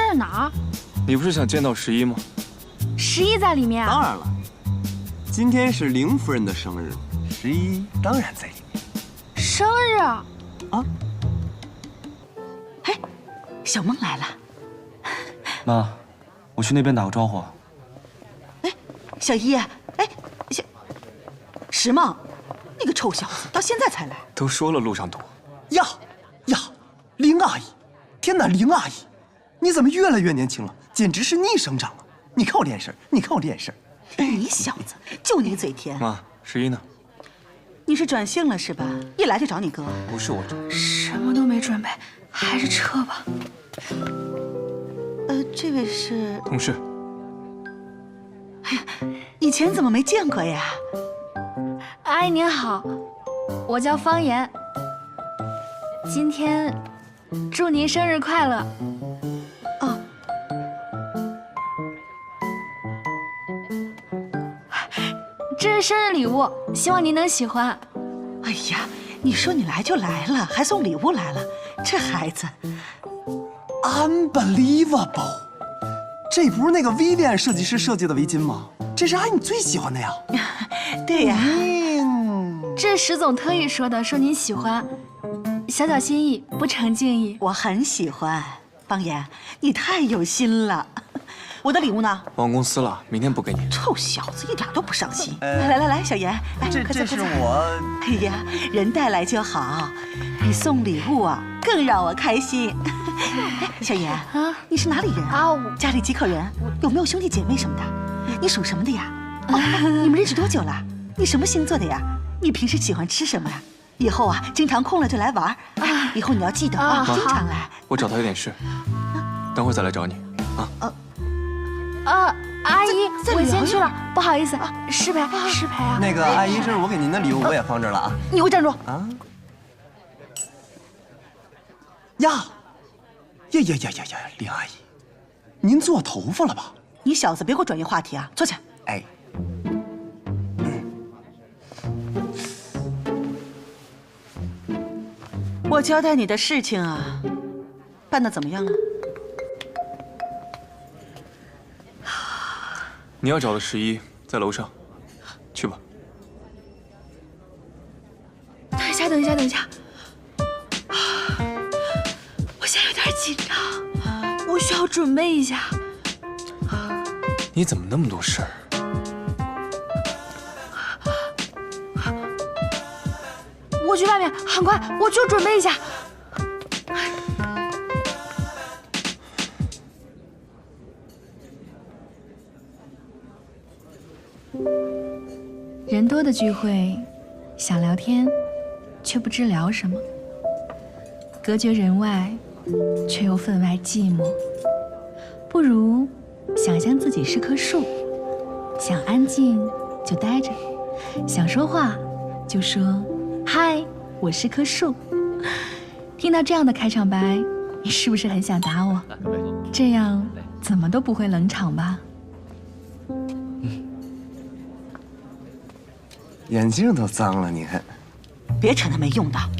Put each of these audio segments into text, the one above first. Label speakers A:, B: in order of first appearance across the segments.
A: 在哪儿？
B: 你不是想见到11吗
A: ？11在里面啊。
C: 当然了，今天是凌夫人的生日，11当然在里面。
A: 生日啊？
D: 哎，小梦来了。
E: 妈，我去那边打个招呼。
D: 哎，小一，哎，石梦，那个臭小子到现在才来。
B: 都说了路上堵。
C: 呀，凌阿姨，天哪，凌阿姨，你怎么越来越年轻了？简直是逆生长啊！你看我这眼神，你看我这眼神。
D: 你小子就你嘴甜。
B: 妈，11呢？
D: 你是转性了是吧？一来就找你哥。
B: 不是我找。
A: 什么都没准备，还是撤吧。
D: 这位是
B: 同事。
D: 哎呀，以前怎么没见过呀？
A: 阿姨您好，我叫方言。今天祝您生日快乐。
D: 哦，
A: 这是生日礼物，希望您能喜欢。
D: 哎呀，你说你来就来了，还送礼物来了，这孩子
C: ，unbelievable！ 这不是那个 Vivian 设计师设计的围巾吗？这是阿姨你最喜欢的呀。
D: 对呀。
A: 这是石总特意说的，说您喜欢，小小心意，不成敬意。
D: 我很喜欢，方言，你太有心了。我的礼物呢？
B: 忘公司了，明天补给你。
D: 臭小子，一点都不上心。来，小妍，来，快坐。
C: 这是我。
D: 哎呀，人带来就好，比送礼物啊更让我开心。哎，小妍啊，你是哪里人啊？家里几口人？有没有兄弟姐妹什么的？你属什么的呀？哦，你们认识多久了？你什么星座的呀？你平时喜欢吃什么呀？以后啊，经常空了就来玩。以后你要记得啊，经常来。
B: 我找他有点事，等会儿再来找你
A: 啊。阿姨，我先去了，不好意思，失陪啊。
C: 那个阿姨，这是我给您的礼物，我也放这儿了啊。
D: 你给我站住！
C: 啊！呀，林阿姨，您做头发了吧？
D: 你小子别给我转移话题啊！坐下。
C: 哎。
D: 我交代你的事情啊，办得怎么样了？
B: 你要找的11在楼上，去吧。
A: 等一下，我现在有点紧张，我需要准备一下。
B: 你怎么那么多事儿？
A: 我去外面，很快，我就准备一下。人多的聚会，想聊天，却不知聊什么；隔绝人外，却又分外寂寞。不如想象自己是棵树，想安静就待着，想说话就说嗨，我是棵树。听到这样的开场白，你是不是很想打我？这样怎么都不会冷场吧？
C: 眼镜都脏了，你看。
D: 别扯那没用的。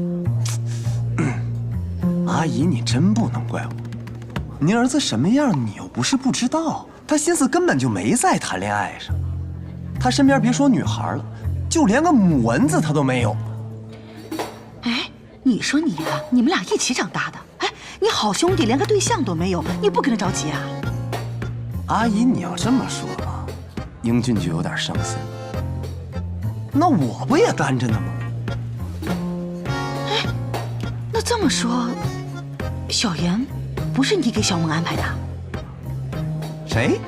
C: 阿姨，你真不能怪我。您儿子什么样，你又不是不知道。他心思根本就没在谈恋爱上，他身边别说女孩了，就连个母蚊子他都没有。
D: 哎，你说你啊，你们俩一起长大的，哎，你好兄弟连个对象都没有，你不跟他着急啊？
C: 阿姨，你要这么说吧，英俊就有点伤心。那我不也单着呢吗？
D: 哎，那这么说，小妍不是你给小梦安排的？
C: 谁？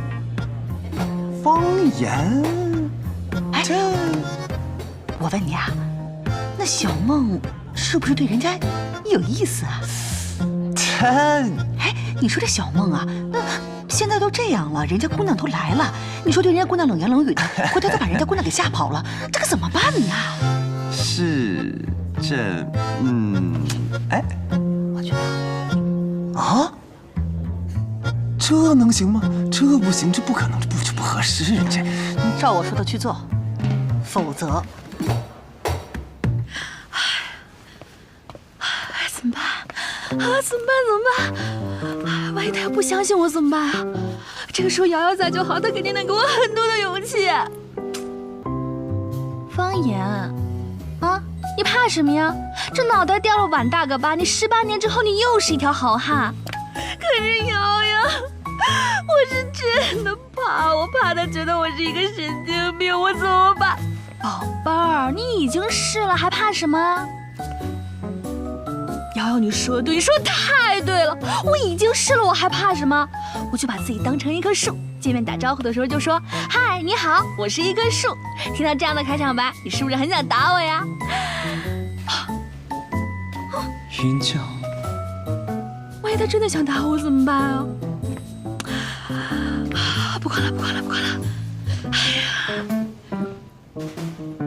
C: 方言？
D: 哎，我问你啊，那小梦是不是对人家有意思啊？哎，你说这小梦啊，那现在都这样了，人家姑娘都来了，你说对人家姑娘冷言冷语的，回头再把人家姑娘给吓跑了，这可怎么办呢？
C: 是这，哎，
D: 我觉得
C: 啊，这能行吗？这不行，这不可能，这不合适，这
D: 照我说的去做，否则，
A: 怎么办？啊，怎么办？万一他他要不相信我怎么办啊？这个时候瑶瑶在就好，她肯定能给我很多的勇气。方言，啊，你怕什么呀？这脑袋掉了碗大个疤，你18年之后你又是一条好汉。可是瑶瑶，我是真的怕，我怕他觉得我是一个神经病，我怎么办？宝贝儿，你已经是了，还怕什么？瑶瑶，你说的对，你说的太对了，我已经是了，我还怕什么？我就把自己当成一棵树，见面打招呼的时候就说：“嗨，你好，我是一棵树。”听到这样的开场白，你是不是很想打我呀？
E: 云娇，
A: 万一他真的想打我怎么办啊？不管了，不管了，不管了。哎呀。